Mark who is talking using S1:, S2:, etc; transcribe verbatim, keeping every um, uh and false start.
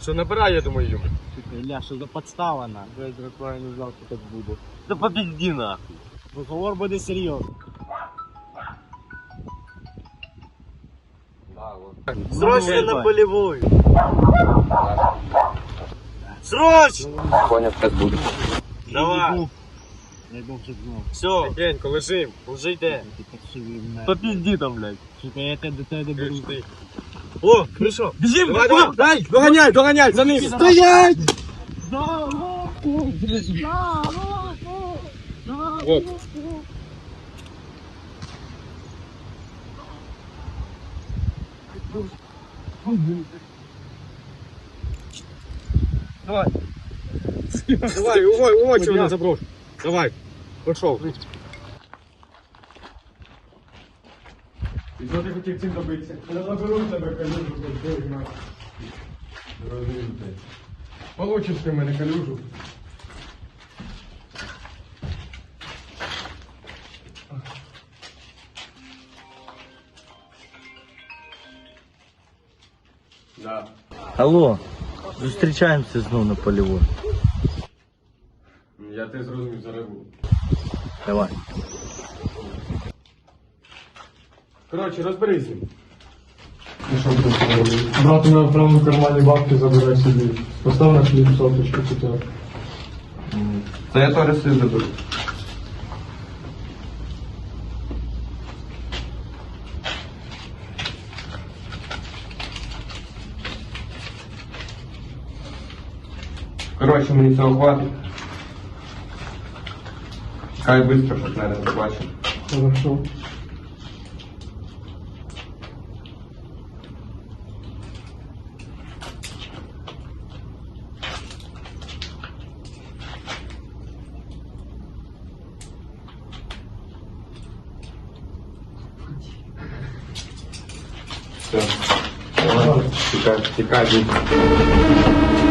S1: Що, набирай, я думаю, Юра.
S2: Ілля, що за подстава на?
S1: Я не знав, що так буде.
S2: Да побезди нахуй. Розговор буде серйозний.
S1: Да, вот.
S2: Срочно на полевую! Срочно!
S1: Понял, сейчас будет.
S2: Давай! Дай Бог, щоб знав. Все,
S1: Тихенько, лежим.
S2: уже йде.
S1: Попізді там, блядь.
S2: Сука, я тебе до тебе доберу.
S1: О, хорошо.
S2: Біжим,
S1: Давай, давай, дай, доганяй, доганяй, за ним.
S2: Стоять!
S1: Вот. Давай. Давай, умой, умой, чего не заброс. Давай, пошел. І що ти хотів цим добитися? Я заберу тебе калюжу, блядь, нахуй. Получиш ти мене калюжу. Да.
S2: Алло, зустрічаємося знову на полевой.
S1: Я тебе зрозумів, зараз буду.
S2: Давай.
S1: Коротше, розберись з ним.
S3: Брати на правому кармані бабки забирай собі. Постав на хліб соточку хоча б.
S1: Та я теж собі заберу. Коротше, мені цього хватить. Хай швидко, щоб мене не побачив.
S3: Хорошо.
S1: Все. Тікай, тікай,